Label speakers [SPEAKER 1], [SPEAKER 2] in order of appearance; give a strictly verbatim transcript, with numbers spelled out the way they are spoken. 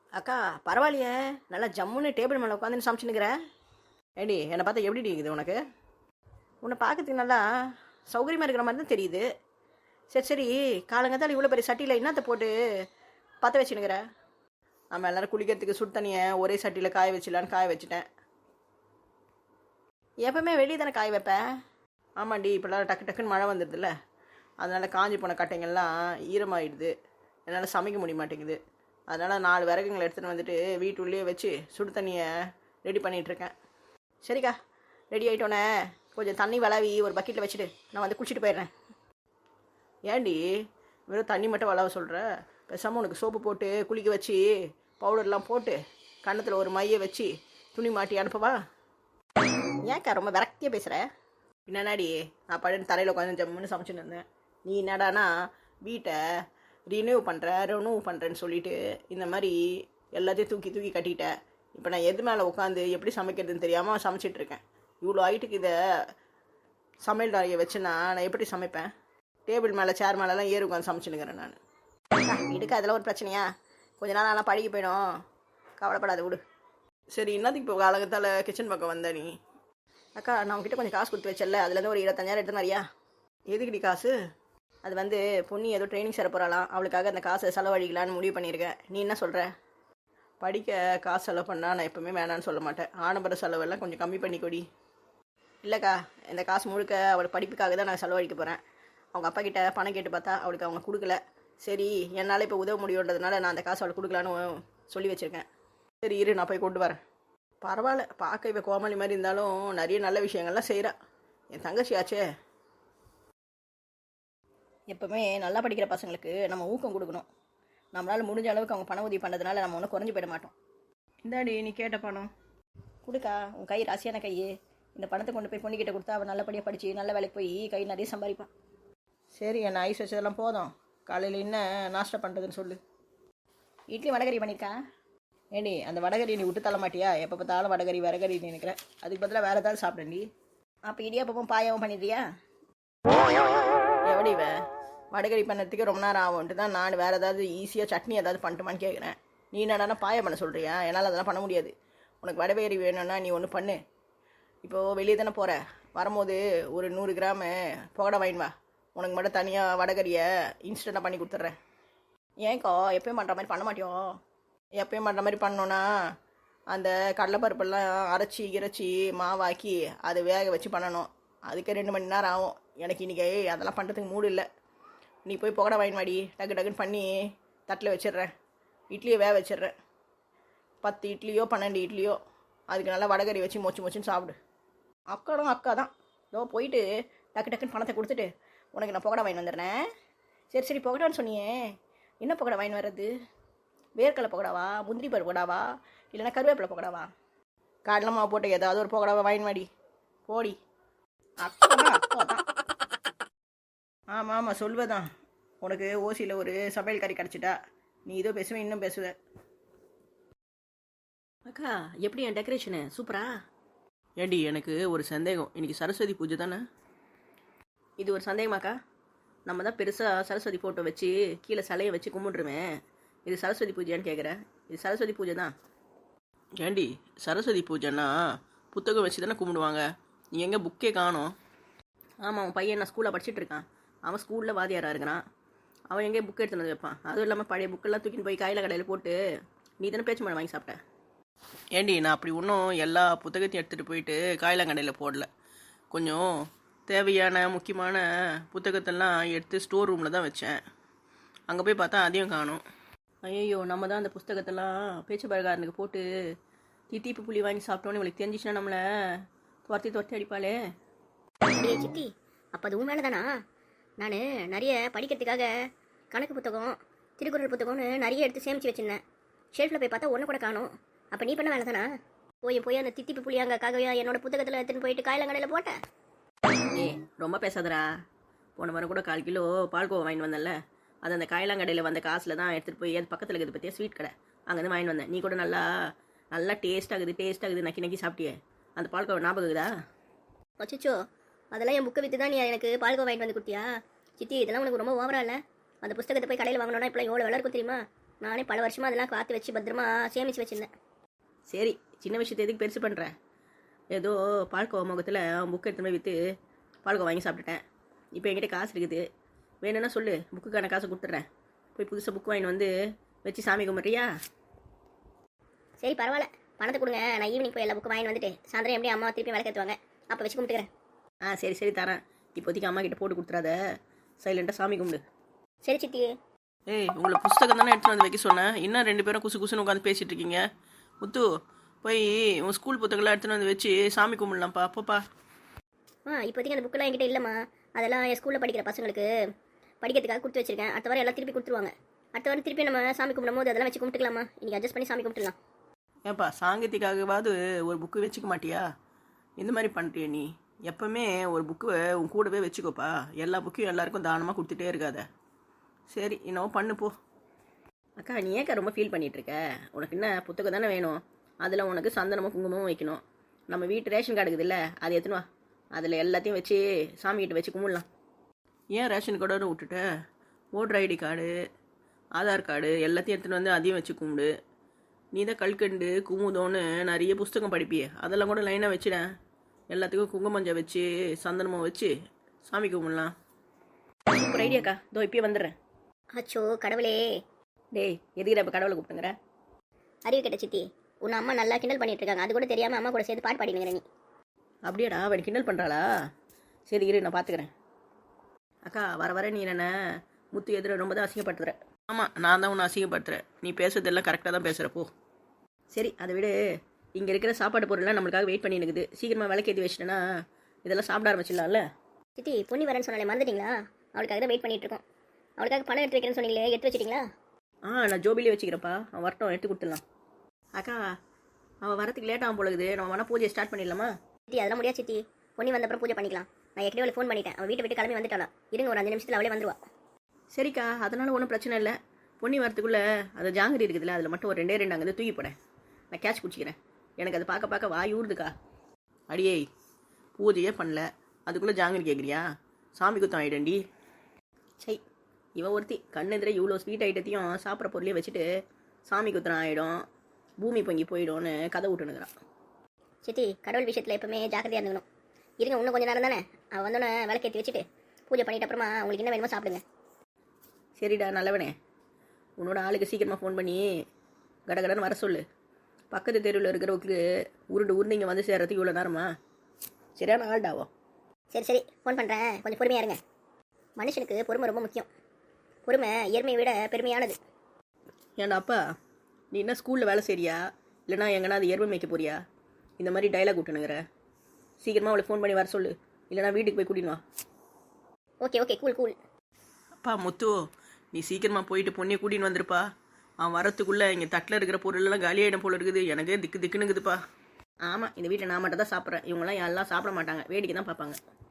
[SPEAKER 1] அக்கா பரவாயில்லையே, நல்லா ஜம்முன்னு டேபிள் மேலே உட்காந்துன்னு சமைச்சுன்னுக்கிற. ஏடி என்னை பார்த்தா எப்படி இருக்குது உனக்கு? உன்னை பார்க்கறதுக்கு நல்லா சௌகரியமாக இருக்கிற மாதிரி தான் தெரியுது. சரி சரி, காலங்கத்தால் இவ்வளோ பெரிய சட்டியில் என்னத்தை போட்டு பற்ற வச்சுன்னுக்கிற? நம்ம எல்லோரும் குளிக்கிறதுக்கு சுடு தண்ணியை ஒரே சட்டியில் காய வச்சிடலான்னு காய வச்சுட்டேன். எப்பவுமே வெளியே தானே காய வைப்பேன். ஆமாண்டி, இப்போல்லாம் டக்கு டக்குன்னு மழை வந்துடுதுல்ல, அதனால் காஞ்சி போன கட்டைங்கள்லாம் ஈரமாகிடுது, என்னால் சமைக்க முடிய மாட்டேங்குது. அதனால் நாலு விறகுங்களை எடுத்துகிட்டு வந்துட்டு வீட்டுள்ளேயே வச்சு சுடு தண்ணியை ரெடி பண்ணிகிட்ருக்கேன். சரிக்கா, ரெடி ஆகிட்டோன்னே கொஞ்சம் தண்ணி வளவி ஒரு பக்கெட்டில் வச்சுட்டு நான் வந்து குளிச்சுட்டு போயிடுறேன். ஏண்டி வெறும் தண்ணி மட்டும் வளவ சொல்கிற? பேசாமல் உனக்கு சோப்பு போட்டு குளிக்க வச்சு பவுடர்லாம் போட்டு கன்னத்தில் ஒரு மையை வச்சு துணி மாட்டி அனுப்பவா? ஏன்க்கா ரொம்ப விரக்தியாக பேசுகிற? என்னடாடி, நான் படுன்னு தரையில் உட்காந்து ஜம்முன்னு சமைச்சுன்னு இருந்தேன். நீ என்னடானா வீட்டை ரினியூவ் பண்ணுற ரினியூவ் பண்ணுறேன்னு சொல்லிவிட்டு இந்த மாதிரி எல்லாத்தையும் தூக்கி தூக்கி கட்டிட்ட. இப்போ நான் எது மேலே உட்காந்து எப்படி சமைக்கிறதுன்னு தெரியாமல் சமைச்சிட்ருக்கேன். இவ்வளோ ஹைட்டுக்கு இதை சமையல் அறையை வச்சுன்னா நான் எப்படி சமைப்பேன்? டேபிள் மேலே சேர் மேலெலாம் ஏறி உட்காந்து சமைச்சுன்னுக்கிறேன் நான். இதுக்கு அதெல்லாம் ஒரு பிரச்சனையா? கொஞ்ச நாள் நல்லா பழகி போயிடும், கவலைப்படாத விடு. சரி, என்னத்துக்கு இப்போ காலகத்தால் கிச்சன் பக்கம் வந்த நீ? அக்கா, நான் உங்ககிட்ட கொஞ்சம் காசு கொடுத்து வச்சல, அதுலேருந்து ஒரு இருபத்தஞ்சாயிரம் எடுத்து மாதிரியா? எதுக்குடி காசு? அது வந்து பொண்ணு ஏதோ ட்ரைனிங் சேர போகிறாளாம், அவளுக்காக அந்த காசை செலவழிக்கலான்னு முடிவு பண்ணியிருக்கேன். நீ என்ன சொல்கிற? படிக்க காசு செலவு பண்ணால் நான் எப்போவுமே வேணான்னு சொல்ல மாட்டேன். ஆடம்பர செலவெல்லாம் கொஞ்சம் கம்மி பண்ணி கொடி. இல்லைக்கா, இந்த காசு முழுக்க அவள் படிப்புக்காக தான் நான் செலவழிக்க போகிறேன். அவங்க அப்பா கிட்ட பணம் கேட்டு பார்த்தா அவளுக்கு அவங்க கொடுக்கல. சரி, என்னால் இப்போ உதவ முடியுன்றதுனால நான் அந்த காசு அவளுக்கு கொடுக்கலான்னு சொல்லி வச்சுருக்கேன். சரி இரு, நான் போய் கொண்டு வரேன். பரவாயில்ல, பார்க்க இப்போ கோமாளி மாதிரி இருந்தாலும் நிறைய நல்ல விஷயங்கள்லாம் செய்கிறா. என் தங்கச்சி ஆச்சே. எப்போவுமே நல்லா படிக்கிற பசங்களுக்கு நம்ம ஊக்கம் கொடுக்கணும். நம்மளால் முடிஞ்ச அளவுக்கு அவங்க பண உதவி பண்ணதுனால நம்ம ஒன்றும் குறைஞ்சி போயிட மாட்டோம். இந்தாடி நீ கேட்ட பணம் கொடுக்கா. உன் கை ராசியான கை. இந்த பணத்தை கொண்டு போய் பொண்ணுக்கிட்ட கொடுத்தா அவள் நல்லபடியாக படித்து நல்ல வேலைக்கு போய் கை நிறைய சம்பாதிப்பான். சரி, என்ன ஐஸ் வச்சதெல்லாம் போதும். காலையில் என்ன நாஷ்டா பண்ணுறதுன்னு சொல்லு. இட்லி வடகரி பண்ணியிருக்கேன். ஏண்டி, அந்த வடகரி நீ விட்டு தள்ள மாட்டியா? எப்போ பார்த்தாலும் வடகரி வடகரி நினைக்கிறேன். அதுக்கு பதிலாக வேறு ஏதாவது சாப்பிடண்டி. அப்போ இடியாப்பமும் பாயாவும் பண்ணிடுறியா? எப்படி வே வடகரி பண்ணதுக்கு ரொம்ப நேரம் ஆகும்ட்டு தான் நான் வேறு ஏதாவது ஈஸியாக சட்னி ஏதாவது பண்ணட்டுமான்னு கேட்குறேன். நீ என்னடானா பாயம் பண்ண சொல்கிறியா? என்னால் அதெல்லாம் பண்ண முடியாது. உனக்கு வடகரி வேணும்னா நீ ஒன்று பண்ணு. இப்போது வெளியே தானே போகிற, வரும்போது ஒரு நூறு கிராமு புகடை வாங்கின்னு வா. உனக்கு மட்டும் தனியாக வடகரியை இன்ஸ்டண்ட்டாக பண்ணி கொடுத்துட்றேன். ஏன்க்கா எப்பயும் பண்ணுற மாதிரி பண்ண மாட்டியோம்? எப்பயும் பண்ணுற மாதிரி பண்ணோன்னா அந்த கடலைப்பருப்பெல்லாம் அரைச்சி இறைச்சி மாவாக்கி அதை வேக வச்சு பண்ணணும். அதுக்கே ரெண்டு மணி நேரம் ஆகும். எனக்கு இன்றைக்கி அதெல்லாம் பண்ணுறதுக்கு மூடு இல்லை. நீ போய் புகடை வாங்கி வாடி, டக்கு டக்குன்னு பண்ணி தட்டில் வச்சிடுறேன். இட்லியை வேக வச்சிடுறேன். பத்து இட்லியோ பன்னெண்டு இட்லியோ அதுக்கு நல்லா வடகரி வச்சு மொச்சு மொச்சுன்னு சாப்பிடு. அக்காடும் அக்கா தான். இதோ போயிட்டு டக்கு டக்குன்னு பணத்தை கொடுத்துட்டு உனக்கு நான் புகடை வாங்கி வந்துடுறேன். சரி சரி, புகடான்னு சொன்னியே, என்ன புகடை வாங்கி வர்றது? வேர்க்கடலை புகடாவா, முந்திரி பருப்பு புகடாவா, இல்லைன்னா கருவேப்பிலை புகடாவா? கடலை மாவு போட்டு ஏதாவது ஒரு புகடாவை வாங்கி வாடி. போடி. அக்கா தான் அக்கா தான். ஆமாம் ஆமாம், சொல்வதான். உனக்கு ஓசியில் ஒரு சமையல் கறி கிடச்சிட்டா நீ இதோ பேசுவேன், இன்னும் பேசுவேன். அக்கா, எப்படி என் டெக்கரேஷனு சூப்பரா? ஏண்டி, எனக்கு ஒரு சந்தேகம். இன்றைக்கி சரஸ்வதி பூஜை தானே? இது ஒரு சந்தேகமாக்கா? நம்ம தான் பெருசாக சரஸ்வதி ஃபோட்டோ வச்சு கீழே சிலையை வச்சு கும்பிட்ருவேன். இது சரஸ்வதி பூஜையான்னு கேட்குறேன். இது சரஸ்வதி பூஜை தான். ஏண்டி, சரஸ்வதி பூஜைன்னா புத்தகம் வச்சு தானே கும்பிடுவாங்க. நீ எங்கே புக்கே காணோம்? ஆமாம், உன் பையன் நான் ஸ்கூலில் படிச்சுட்டு இருக்கான். அவன் ஸ்கூலில் வாதியாராக இருக்கிறான். அவன் எங்கேயே புக் எடுத்துன்னு வந்து வைப்பான். அதுவும் இல்லாமல் பழைய புக்கெல்லாம் தூக்கின்னு போய் காயில் கடையில் போட்டு நீ தானே பேச்சு மழை வாங்கி சாப்பிட்டேன். ஏண்டி, நான் அப்படி ஒன்றும் எல்லா புத்தகத்தையும் எடுத்துகிட்டு போயிட்டு காயிலாங்கடையில் போடல. கொஞ்சம் தேவையான முக்கியமான புத்தகத்தெல்லாம் எடுத்து ஸ்டோர் ரூமில் தான் வச்சேன். அங்கே போய் பார்த்தா அதையும் காணும். ஐயோ, நம்ம தான் அந்த புத்தகத்தெல்லாம் பேச்சு பழகாரனுக்கு போட்டு தித்திப்பு புளி வாங்கி சாப்பிட்டோன்னு இவளுக்கு தெரிஞ்சிச்சுன்னா நம்மளை துரத்தி துரத்தி அடிப்பாளே.
[SPEAKER 2] அப்படியே சித்தி, அப்போ அது உண்மையில தானா? நான் நிறைய படிக்கிறதுக்காக கணக்கு புத்தகம் திருக்குறள் புத்தகம்னு நிறைய எடுத்து சேமித்து வச்சுருந்தேன். ஷெல்ஃபில் போய் பார்த்தா ஒன்று கூட காணும். அப்போ நீ பண்ண வேலை தானா? போய் போய் அந்த தித்திப்பு புளியாங்கக்காகவே என்னோட புத்தகத்தில் எடுத்துன்னு போயிட்டு காயிலங்கடையில் போட்டேன்.
[SPEAKER 1] ஏ, ரொம்ப பேசாதடா. போன வாரம் கூட கால் கிலோ பால்கோவா வாங்கிட்டு வந்தேன்ல, அது அந்த காயிலாங்கடையில் வந்த காசில் தான் எடுத்துகிட்டு போய் அது பக்கத்தில் இருக்குது பற்றியா ஸ்வீட் கடை, அங்கேருந்து வாங்கிட்டு வந்தேன். நீ கூட நல்லா நல்லா டேஸ்ட் ஆகுது டேஸ்ட் ஆகுது நக்கி நக்கி சாப்பிட்டியே. அந்த பால்கோவா ஞாபகம் இருக்குதா?
[SPEAKER 2] அச்சோ, அதெல்லாம் என் புக்கை விற்று தான் நீ எனக்கு பால்கோவா வாங்கிட்டு வந்து கொடுத்தியா? சித்தி, இதெல்லாம் உனக்கு ரொம்ப ஓவரா இல்லை? அந்த புத்தகத்தை போய் கடையில் வாங்கினோன்னா இப்போலாம் எவ்வளோ விலை இருக்கும் தெரியுமா? நானே பல வருஷமாக அதெல்லாம் காத்து வச்சு பத்திரமா சேமித்து வச்சுருந்தேன்.
[SPEAKER 1] சரி, சின்ன விஷயத்தை எதுக்கு பெருசு பண்ணுறேன்? ஏதோ பால்கோவா முகத்தில் புக்கு எடுத்து போய் விற்று பால்கோவா வாங்கி சாப்பிட்டுட்டேன். இப்போ என்கிட்ட காசு இருக்குது, வேணும்னா சொல்லு, புக்குக்கான காசை கொடுத்துட்றேன். போய் புதுசாக புக்கு வாங்கிட்டு வந்து வச்சு சாமி கும்பிட்றியா?
[SPEAKER 2] சரி பரவாயில்ல, பணத்தை கொடுங்க. நான் ஈவினிங் போய் எல்லா புக்கு வாங்கிட்டு வந்துட்டு சாயந்தரம் எப்படி அம்மா திருப்பி விளக்கேற்றுவாங்க, அப்போ வச்சு கும்பிட்டுக்கிறேன்.
[SPEAKER 1] ஆ சரி சரி தரேன். இப்போதைக்கு அம்மா கிட்ட போட்டு கொடுத்துறாத, சைலண்ட்டாக சாமி கும்பிடு.
[SPEAKER 2] சரி சித்தி.
[SPEAKER 1] ஏய், உங்களை புஸ்தகம் தானே எடுத்துகிட்டு வந்து வைக்க சொன்னேன், இன்னும் ரெண்டு பேரும் குசு குசுன்னு உட்காந்து பேசிகிட்டு இருக்கீங்க. முத்து, போய் உன் ஸ்கூல் புத்தகம்லாம் எடுத்துகிட்டு வந்து வச்சு சாமி கும்பிடலாம்ப்பா. அப்பப்பா
[SPEAKER 2] ஆ இப்போதைக்கு அந்த புக்கெல்லாம் என்கிட்ட இல்லைம்மா. அதெல்லாம் என் ஸ்கூலில் படிக்கிற பசங்களுக்கு படிக்கிறதுக்காக கொடுத்து வச்சிருக்கேன். அடுத்த வாரம் எல்லாம் திருப்பி கொடுத்துருவாங்க. அடுத்த வாரம் திருப்பி நம்ம சாமி கும்பிடும் போது அதெல்லாம் வச்சு கும்பிட்டுக்கலாமா? இன்றைக்கி அட்ஜஸ்ட் பண்ணி சாமி கும்பிட்டுலாம்.
[SPEAKER 1] ஏன்ப்பா, சாங்கத்துக்காகவாவது ஒரு புக்கு வச்சுக்க மாட்டியா? இந்த மாதிரி பண்ணுறிய நீ? எப்போவுமே ஒரு புக்கு உன் கூடவே வச்சுக்கோப்பா. எல்லா புக்கையும் எல்லாருக்கும் தானமாக கொடுத்துட்டே இருக்காத. சரி, இன்னும் பண்ணு போ. அக்கா, நீ ஏக்கா ரொம்ப ஃபீல் பண்ணிகிட்ருக்க? உனக்கு என்ன புத்தகம் தானே வேணும்? அதில் உனக்கு சந்தனமும் குங்குமமும் வைக்கணும். நம்ம வீட்டு ரேஷன் கார்டு இருக்குதுல்ல, அது எடுத்துன்னு வா. அதில் எல்லாத்தையும் வச்சு சாமிகிட்ட வச்சு கும்பிடலாம். ஏன் ரேஷன் கார்டோடு விட்டுட்ட? Voter ID card, Aadhaar card எல்லாத்தையும் எடுத்துகிட்டு வந்து அதையும் வச்சு கும்பிடு. நீ தான் கல்கண்டு குமுதோன்னு நிறைய புஸ்தகம் படிப்பியே, அதெல்லாம் கூட லைனாக வச்சுடேன். எல்லாத்துக்கும் குங்குமஞ்சை வச்சு சந்தனமும் வச்சு சாமி கும்பிடலாம். சூப்பர் ஐடியாக்கா, இதோ இப்பயே வந்துடுறேன்.
[SPEAKER 2] அச்சோ கடவுளே.
[SPEAKER 1] டேய், எதுக்கிற இப்போ கடவுளை கூப்பிட்டுங்கிற?
[SPEAKER 2] அறிவு கேட்ட சித்தி, உன் அம்மா நல்லா கிண்டல் பண்ணிட்டு இருக்காங்க. அது கூட தெரியாமல் அம்மா கூட சேர்த்து பாட்டு பாடினுங்கிற நீ.
[SPEAKER 1] அப்படியாடா, அவன் கிண்டல் பண்ணுறாளா? சரி இரு, நான் பார்த்துக்கிறேன். அக்கா, வர வர நீ என்ன முத்து எதிர ரொம்ப தான் அசிங்கப்படுத்துற. ஆமாம், நான் தான் உன்னை அசிங்கப்படுத்துகிறேன். நீ பேசுறதெல்லாம் கரெக்டாக தான் பேசுகிறப்போ. சரி, அதை விட இங்கே இருக்கிற சாப்பாடு பொருள்லாம் நம்மளுக்காக வெயிட் பண்ணி இருக்குது. சீக்கிரமாக விளக்கேற்றி வச்சிட்டேன்னா இதெல்லாம் சாப்பிட ஆரம்பிச்சிடலாம்ல.
[SPEAKER 2] சித்தி, பொன்னி வரேன்னு சொன்னாலே மறந்துட்டீங்களா? அவளுக்காக தான் வெயிட் பண்ணிட்டு இருக்கோம். அவளுக்காக பணம் எடுத்து வைக்கிறேன்னு சொன்னீங்களே, எடுத்து வச்சிட்டிங்களா?
[SPEAKER 1] ஆ, நான் ஜோபிலே வச்சுக்கிறப்பா. அவன் வரட்டும், எடுத்து கொடுத்துடலாம். அக்கா, அவள் வரத்துக்கு லேட் ஆகும் போலகுது. நம்ம வேணா பூஜையை ஸ்டார்ட் பண்ணிடலாமா?
[SPEAKER 2] சித்தி, அதெல்லாம் முடியாது சித்தி. பொன்னி வந்தப்பறம் பூஜை பண்ணிக்கலாம். நான் ஏற்கனவே அவளை ஃபோன் பண்ணிட்டேன். அவள் வீட்டை விட்டு கிளம்பி வந்துட்டாளா. இருங்க, ஒரு அஞ்சு நிமிஷத்தில் அவளே வந்துருவா.
[SPEAKER 1] சரிக்கா, அதனால ஒன்றும் பிரச்சனை இல்லை. பொன்னி வரத்துக்குள்ளே அது ஜாங்கிரி இருக்குதுல்ல, அதில் மட்டும் ஒரு ரெண்டே ரெண்டு அங்கே தூக்கி போடேன். நான் கேட்ச் குடிச்சிக்கிறேன். எனக்கு அதை பார்க்க பார்க்க வாய் ஊறுதுக்கா. அடியே, பூஜையே பண்ணல, அதுக்குள்ளே ஜாங்கிரி கேட்குறியா? சாமி குத்தம் ஆகிடண்டி. சை, இவன் ஒருத்தி கண்ணெதிரே இவ்வளோ ஸ்வீட் ஐட்டத்தையும் சாப்பிட்ற பொருளையும் வச்சுட்டு சாமி குத்தம் ஆகிடும், பூமி பொங்கி போயிடும்னு கதை விட்டுனுக்குறான்.
[SPEAKER 2] சித்தி, கடவுள் விஷயத்தில் எப்பவுமே ஜாக்கிரதையாக இருந்துக்கணும். இருங்க, இன்னும் கொஞ்சம் நேரம் தானே. அவள் வந்தோன்னே விளக்கேற்றி வச்சுட்டு பூஜை பண்ணிட்ட அப்புறமா உங்களுக்கு என்ன வேணுமோ சாப்பிடுங்க.
[SPEAKER 1] சரிடா நல்லவனே, உன்னோட ஆளுக்கு சீக்கிரமாக ஃபோன் பண்ணி கடகடன்னு வர சொல்லு. பக்கத்து தெருவில் இருக்கிறவங்களுக்கு உருண்டு உருண்டு இங்கே வந்து சேர்றதுக்கு இவ்வளோ நேரமா? சரியான ஆள்டாவோ.
[SPEAKER 2] சரி சரி, ஃபோன் பண்ணுறேன், கொஞ்சம் பொறுமையாக இருங்க. மனுஷனுக்கு பொறுமை ரொம்ப முக்கியம். பொறுமை இயற்மையை விட பெருமையானது.
[SPEAKER 1] ஏன்டா அப்பா, நீ என்ன ஸ்கூலில் வேலை செய்றியா, இல்லைனா எங்கன்னா அது எருமை மேய்க்க போறியா? இந்த மாதிரி டைலாக் விட்டுனுங்கிற. சீக்கிரமாக அவளை ஃபோன் பண்ணி வர சொல்லு, இல்லைனா வீட்டுக்கு போய் கூட்டின்னு வா.
[SPEAKER 2] Okay okay, cool cool.
[SPEAKER 1] அப்பா முத்து, நீ சீக்கிரமாக போயிட்டு பொண்ணியை கூட்டின்னு வந்துருப்பா. அவன் வரத்துக்குள்ளே இங்கே தட்டில் இருக்கிற பொருளெல்லாம் காலியாயிடும் போல இருக்குது. எனக்கு திக்கு திக்குனுக்குதுப்பா. ஆமாம், இந்த வீட்டில் நான் மட்டும் தான் சாப்பிட்றேன். இவங்கெல்லாம் எல்லாம் சாப்பிட மாட்டாங்க, வேடிக்கை தான் பார்ப்பாங்க.